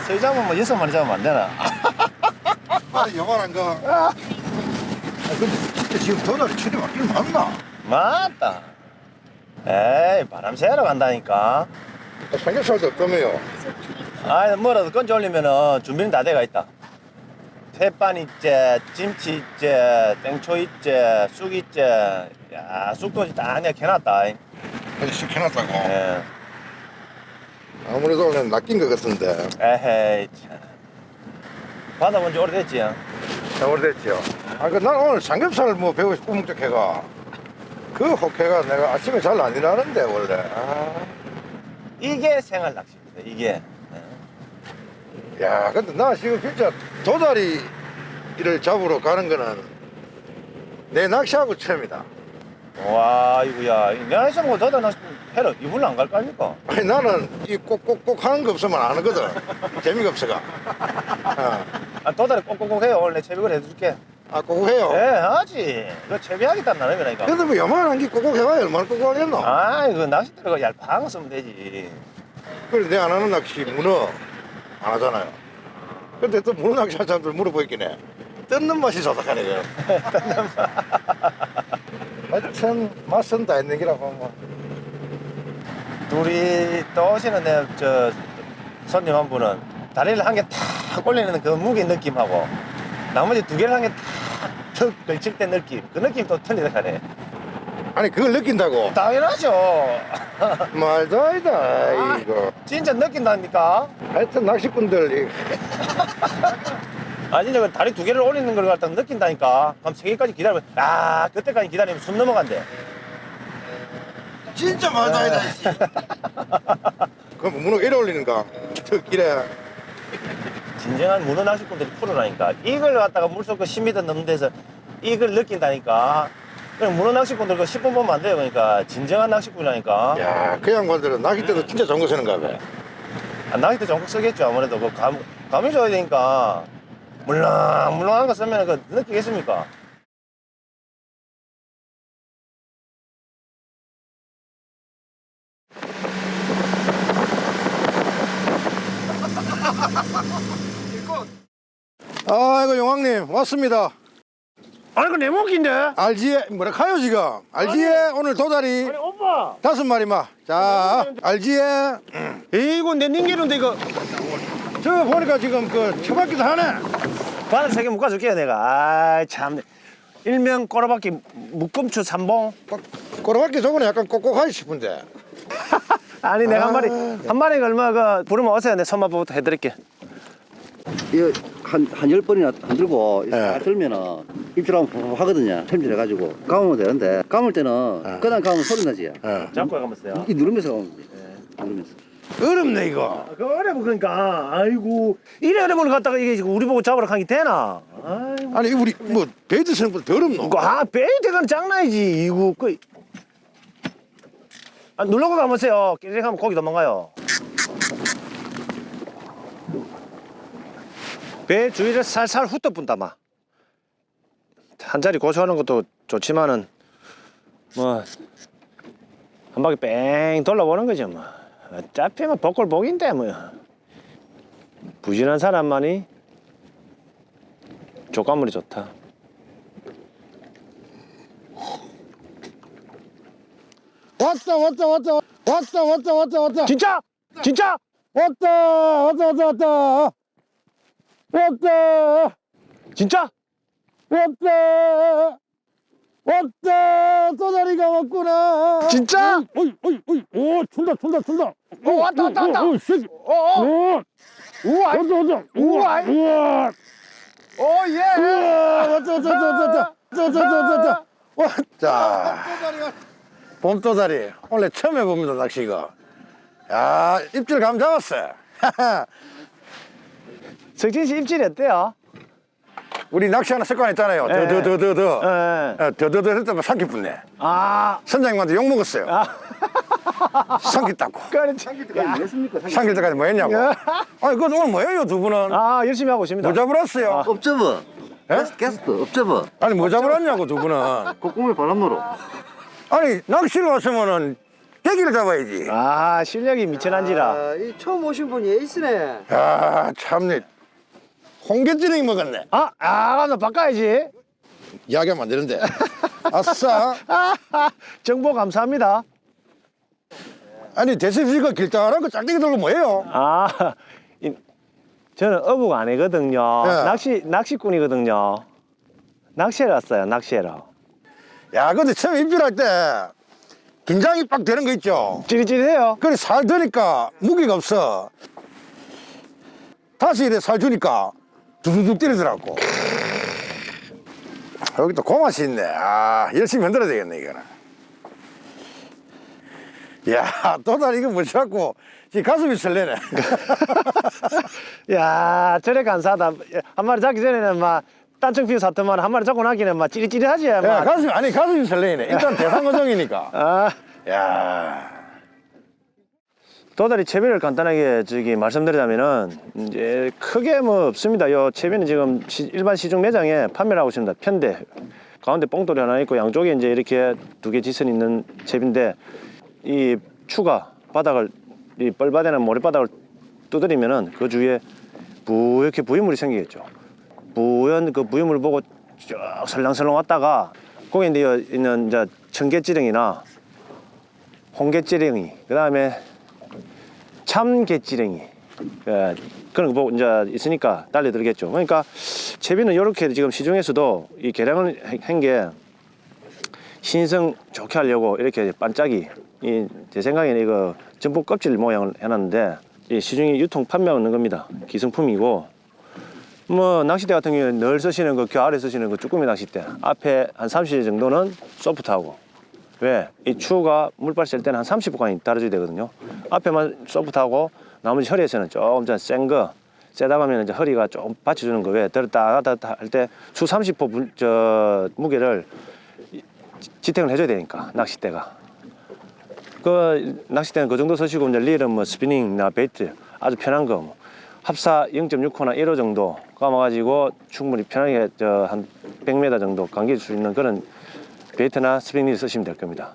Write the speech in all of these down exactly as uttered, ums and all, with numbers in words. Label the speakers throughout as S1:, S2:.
S1: 저희 잡으면 뭐 여섯 마리 잡으면 안 되나?
S2: 아니 요만한 거. 아, 근데 진짜 지금 도다리 철이 맞긴 맞나?
S1: 맞다. 에이, 바람 쐬러 간다니까.
S2: 삼겹살도 없다며요.
S1: 아, 뭐라도 건져 올리면은 준비는 다 돼가 있다. 햇반 있지, 김치 있지, 땡초 있지, 쑥 있지. 야, 쑥도 다 내가 캐놨다.
S2: 아니 시켜놨다고.
S1: 예.
S2: 아무래도 오늘 낚인 것 같은데.
S1: 에헤이, 참. 받아본 지 오래됐지?
S2: 자, 오래됐죠. 아, 그, 난 오늘 삼겹살 뭐 배우고 싶고 목적해가. 그 호쾌가 내가 아침에 잘 안 일하는데, 원래. 아.
S1: 이게 생활 낚시입니다, 이게.
S2: 야, 근데 나 지금 진짜 도다리를 잡으러 가는 거는 내 낚시하고 처음이다.
S1: 와, 이거야. 내가 있으면 뭐 더다 낚시 해라. 이불로 안 갈 거 아닙니까?
S2: 아니, 나는 이 꼭꼭꼭 하는 거 없으면 안 하거든. 재미가 없어가. 어.
S1: 아, 도다리 꼭꼭꼭 해요. 오늘 내 채비를 해줄게.
S2: 아, 꼭 해요?
S1: 예, 하지. 그 채비하겠다는 나름이라니까.
S2: 근데 뭐 요만한 게 꼭꼭 해봐야 얼마나 꼭꼭 하겠노?
S1: 아, 이거 낚싯대가 얄팍한 거 쓰면 되지.
S2: 그래, 내가 안 하는 낚시 문어 안 하잖아요. 근데 또 문어 낚시 하는 사람들 물어보겠긴 해. 뜯는 맛이 좋다하네, 그. 하여튼, 맛은 다 있는 기라고, 뭐.
S1: 둘이 또 오시는 내, 저, 손님 한 분은 다리를 한 개 탁 올리는 그 무게 느낌하고 나머지 두 개를 한 개 탁 걸칠 때 느낌. 그 느낌 또 틀리다 하네.
S2: 아니, 그걸 느낀다고?
S1: 당연하죠.
S2: 말도 아니다, 이거.
S1: 진짜 느낀다니까.
S2: 하여튼, 낚시꾼들,
S1: 아, 진짜 그 다리 두 개를 올리는 걸 갖다 느낀다니까. 그럼 세 개까지 기다리면, 아, 그때까지 기다리면 숨 넘어간대.
S2: 진짜 말도 아니다, 씨. 그럼 문어 이래 올리는가? 저 길에.
S1: 진정한 문어 낚시꾼들이 프로라니까. 이걸 갖다가 물속 그 십 미터 넘는 데서 이걸 느낀다니까. 그냥 문어 낚시꾼들 그 십 분 보면 안 돼요. 그러니까 진정한 낚시꾼이라니까.
S2: 야, 그 양반들은 낚싯대도 진짜 좋은 거 쓰는가 봐.
S1: 아, 낚싯대 전국 쓰겠죠. 아무래도 그 감, 감이 줘야 되니까. 물렁물렁한 거 쓰면 그 느끼겠습니까?
S2: 아이고, 용왕님, 왔습니다.
S1: 아니, 그 내 목인데?
S2: 알지에, 뭐라 카요 지금? 알지에 오늘 도다리
S1: 아니, 오빠!
S2: 다섯 마리마. 자, 알지에.
S1: 이거 내 닌게는데 이거.
S2: 저 보니까 지금 그 처박기도 하네.
S1: 바늘 세 개 묶어줄게요, 내가. 아이, 참. 일명 꼬라박기 묶음추 삼봉.
S2: 꼬라박기 저번에 약간 꼭꼭하지 싶은데.
S1: 아니, 내가 한 마리,
S2: 아,
S1: 한 마리가 얼마 그, 부르면 오세요. 내 손맛부터 해드릴게.
S3: 이거 한, 한 열 번이나 안 들고
S2: 예.
S3: 딱 들면은 입질하면 하거든요. 챔질해가지고 감으면 되는데 감을 때는
S2: 예.
S3: 그냥 감으면 소리 나지.
S2: 어.
S1: 잡고 가면서요.
S3: 이 누르면서 감으면 돼. 누르면서.
S2: 어렵네, 이거.
S1: 그 어려워, 그러니까. 아이고. 이래 어려운 걸 갖다가 이게 지금 우리 보고 잡으러 가기 되나? 아이고.
S2: 아니, 우리 뭐 베이드 쓰는 것보다 더 어렵노?
S1: 이거, 아, 베이트가 장난이지. 이거, 그. 아, 누르고 가면서요. 끼리 가면 고기 도망가요. 배 주위를 살살 훑어본다, 마. 한 자리 고소하는 것도 좋지만은, 뭐, 한 바퀴 뺑 돌아보는 거죠, 뭐. 어차피 뭐, 복골 복인데, 뭐. 부진한 사람만이 족가물이 좋다.
S2: 왔다, 왔다, 왔다, 왔다, 왔다, 왔다, 왔다.
S1: 진짜? 진짜?
S2: 왔다, 왔다, 왔다, 왔다. 왔다,
S1: 진짜?
S2: 왔다, 왔다. 도다리가 왔구나.
S1: 진짜?
S2: 어이, 어이, 어이. 오, 출다, 출다, 출다.
S1: 어, 왔다, 왔다, 왔다.
S2: 오, 새끼.
S1: 어, 어.
S2: 오,
S1: 우와,
S2: 왔다, 왔다.
S1: 우와.
S2: 우와.
S1: 오, 예.
S2: 우와, 왔다, 왔다, 왔다, 왔다. 왔다, 왔다, 왔다, 왔다. 봄도다리. 원래 처음 해봅니다, 낚시 이거. 야, 입질 감 잡았어.
S1: 석진 씨 입질이 어때요?
S2: 우리 낚시하는 습관 있잖아요.
S1: 예.
S2: 더, 더, 더, 더, 더.
S1: 예.
S2: 더더더 했다면 삼키 붙네.
S1: 아,
S2: 선장님한테 욕 먹었어요.
S1: 아.
S2: 삼키 땄고.
S1: 그렇지.
S3: 뭐 했습니까?
S2: 삼킬 때까지 뭐 했냐고.
S1: 야.
S2: 아니, 그건 오늘 뭐예요, 두 분은?
S1: 아, 열심히 하고 있습니다.
S2: 뭐 잡으러 왔어요?
S3: 업접어.
S2: 예?
S3: 게스트 업접어.
S2: 아니, 뭐 잡으러 왔냐고, 두 분은.
S3: 콧구멍에 바람 넣어.
S2: 아니, 낚시를 왔으면은 대기를 잡아야지.
S1: 아 실력이 미천한지라.
S4: 아, 이 처음 오신 분이 에이스네.
S2: 야, 참네. 홍게찌개 먹었네.
S1: 아, 아, 가서 바꿔야지.
S2: 이야기하면 안 되는데. 아싸.
S1: 정보 감사합니다.
S2: 아니, 대습씨가 길다란 거 짝대기 들고 뭐예요?
S1: 아, 이, 저는 어부가 아니거든요.
S2: 네.
S1: 낚시, 낚시꾼이거든요. 낚시하러 왔어요, 낚시하러.
S2: 야, 근데 처음 입질할 때 긴장이 빡 되는 거 있죠?
S1: 찌릿찌릿해요.
S2: 그래, 살 드니까 무게가 없어. 다시 이래 살 주니까 두두둑 때리더라고. 여기 또 고맛이 있네. 아, 열심히 흔들어야 되겠네, 이거는. 야, 또다리 이거 뭐지갖고 지금 가슴이 설레네.
S1: 야, 저래 감사하다. 한 마리 잡기 전에는 막 딴청 피우 샀더만 한 마리 잡고 나기는 막 찌릿찌릿하지.
S2: 야,
S1: 막.
S2: 가슴이, 아니, 가슴이 설레네. 일단 대상어종이니까.
S1: 아,
S2: 야.
S1: 도다리 채비를 간단하게 저기 말씀드리자면은 이제 크게 뭐 없습니다. 요 채비는 지금 시, 일반 시중 매장에 판매를 하고 있습니다. 편대 가운데 뽕돌이 하나 있고 양쪽에 이제 이렇게 두 개 지선 있는 채비인데 이 추가 바닥을 이 뻘바닥이나 모래바닥을 두드리면은 그 주위에 부옇게 부유물이 생기겠죠. 부연 그 부유물을 보고 쭉 설렁설렁 왔다가 거기 이제 있는 이제 청개찌렁이나 홍개찌렁이 그 다음에 참개찌렁이 예, 그런 거 보고 이제 있으니까 달려들겠죠. 그러니까 채비는 이렇게 지금 시중에서도 이 개량을 한 게 신성 좋게 하려고 이렇게 반짝이 이 제 생각에는 이거 전복 껍질 모양을 해놨는데 이 시중에 유통 판매하고 있는 겁니다. 기성품이고 뭐 낚싯대 같은 경우에 늘 쓰시는 그 겨 아래 쓰시는 그 쭈꾸미 낚싯대 앞에 한 삼십 일 정도는 소프트하고 왜? 이 추가 물빨 쓸 때는 한 삼십 분간이 달아줘야 되거든요. 앞에만 소프트하고 나머지 허리에서는 조금 좀 센 거 세다 가면 이제 허리가 좀 받쳐주는 거 왜? 들었다 놨다 할 때 수 삼십 호 물, 저 무게를 지탱을 해줘야 되니까 낚싯대가 그 낚싯대는 그 정도 쓰시고 이제 릴은 뭐 스피닝이나 베이트 아주 편한 거 뭐. 합사 영 점 육 호나 일 호 정도 감아가지고 충분히 편하게 저 한 백 미터 정도 감길 수 있는 그런 베이트나 스프링 쓰시면 될 겁니다.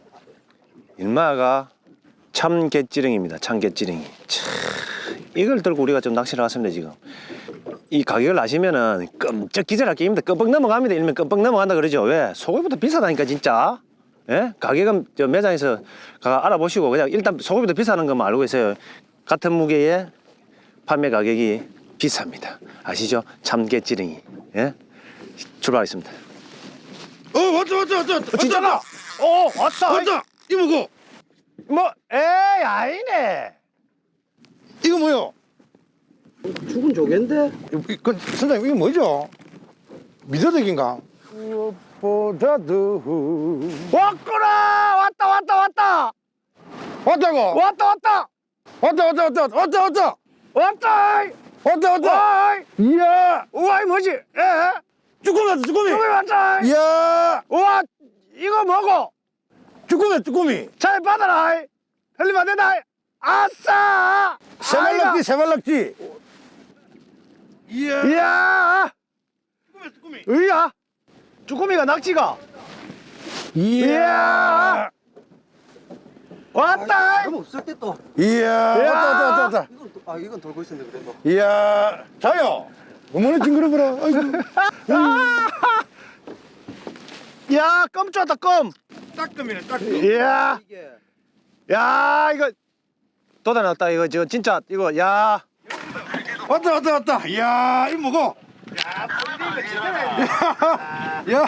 S1: 일마가 참개찌렁입니다. 참개찌렁이. 이걸 들고 우리가 좀 낚시를 왔습니다 지금. 이 가격을 아시면은 끔쩍 기절할 게임입니다. 끔뻑 넘어갑니다. 일면 끔뻑 넘어간다 그러죠. 왜? 소고기보다 비싸다니까 진짜. 예? 가격은 저 매장에서 가 알아보시고 그냥 일단 소고기보다 비싸는 것만 알고 계세요. 같은 무게의 판매 가격이 비쌉니다. 아시죠? 참개찌렁이. 예? 출발하겠습니다.
S2: 어, 왔다, 왔다, 왔다. 왔다.
S1: 진짜다. 어, 왔어.
S2: 왔다. 이거 뭐고?
S1: 뭐, 에이, 아니네.
S2: 이거 뭐요?
S4: 죽은 조개인데?
S2: 그, 선생님, 이거 뭐죠? 미더덕인가? 무엇보다도
S1: 왔구나. 왔다, 왔다, 왔다.
S2: 왔다고?
S1: 왔다, 왔다.
S2: 왔다, 왔다, 왔다, 왔다, 왔다.
S1: 왔다.
S2: 왔다, 왔다.
S1: 와,
S2: 이야,
S1: 우와, 이 뭐지? 예?
S2: 쭈꾸미 왔다, 쭈꾸미.
S1: 쭈꾸미 왔다.
S2: 이야,
S1: 우와, 이거 뭐고?
S2: 쭈꾸미, 쭈꾸미.
S1: 잘 받아라. 흘리면 안 된다. 아싸.
S2: 세발낙지, 세발낙지. 이야,
S1: 이야.
S2: 쭈꾸미, 쭈꾸미.
S1: 으야. 쭈꾸미가 낙지가.
S2: 이야,
S1: 이야. 왔다.
S4: 그럼 없을 때 또.
S2: 이야, 왔다, 왔다, 왔다, 왔다.
S4: 이건 또, 아 이건 돌고 있었는데 그래도.
S2: 이야, 자요. 어머나 징그러워라. 아이고.
S1: 야, 껌 쫓았다, 껌.
S2: 따끔이네, 따끔.
S1: 이야.
S4: 이게
S1: 야, 이거 돋아났다. 이거 저 진짜 이거 야.
S2: 왔다, 왔다, 왔다. 이야, 이거 뭐고? 야,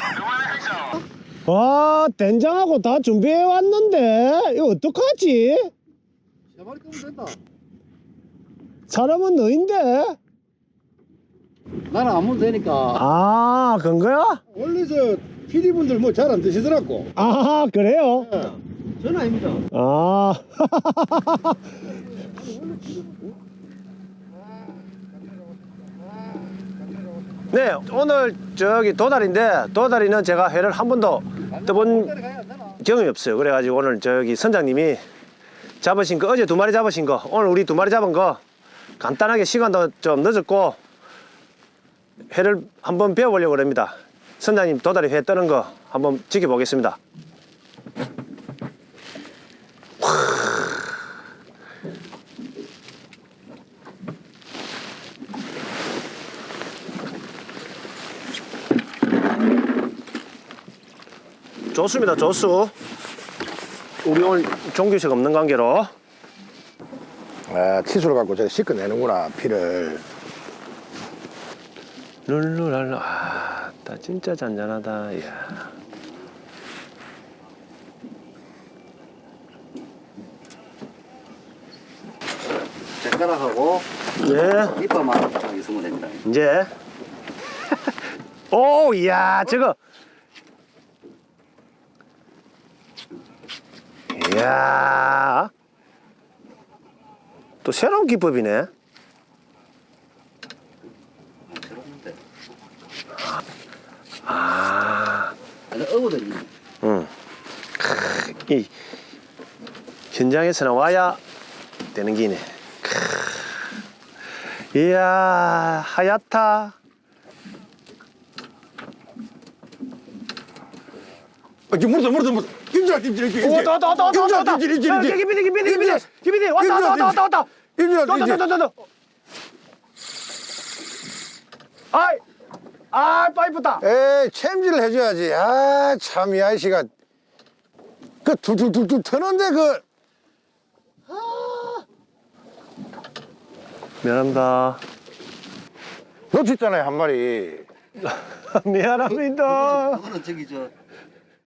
S1: 와, 된장하고 다 준비해 왔는데 이거 어떡하지?
S4: 세 마리 끄면 된다.
S1: 사람은 너인데.
S4: 나는 안 먹으면 되니까.
S1: 아, 그런 거야?
S2: 원래 저 피디분들 뭐 잘 안 드시더라고.
S1: 아, 그래요?
S4: 저는 아닙니다.
S1: 아. 네, 오늘 저기 도다리인데 도다리는 제가 회를 한 번도 떠본 경험이 없어요. 그래가지고 오늘 저기 선장님이 잡으신 거 어제 두 마리 잡으신 거 오늘 우리 두 마리 잡은 거 간단하게 시간도 좀 늦었고 회를 한번 배워보려고 합니다. 선장님 도다리 회 떠는 거 한번 지켜보겠습니다. 좋습니다. 조수. 우리 오늘 종규식 없는 관계로.
S2: 아, 치수를 갖고 저 씻어내는구나, 피를.
S1: 룰루랄라. 아, 나 진짜 잔잔하다. 이야.
S3: 젓가락하고
S1: 예.
S3: 이빨만 딱 있으면 됩니다.
S1: 이제. 오, 이야, 저거. 이야. 또 새로운 기법이네.
S3: 새로운데.
S1: 아,
S3: 아니, 어거든요.
S1: 응. 크, 이 현장에서 나와야 되는 기네. 크. 이야, 하얗다.
S2: 아, 지금 물었어, 물었어, 물었어. 임질아, 임질아, 임질아.
S1: 오, 왔다, 왔다, 왔다, 왔다, 왔다, 왔다.
S2: 임질아, 임질아, 임질아.
S1: 기비디, 기비디, 기비디, 기비디, 왔다, 왔다, 왔다, 왔다, 왔다.
S2: 임질아,
S1: 왔다,
S2: 임질아.
S1: 왔다, 왔다, 왔다. 아이, 아, 파이프다.
S2: 에이, 챔질을 해줘야지. 아, 참, 이 아저씨가. 그 툴툴툴툴 트는데 그.
S1: 미안합니다.
S2: 놓쳤잖아요, 한 마리.
S1: 미안합니다.
S3: 그거는 저기 저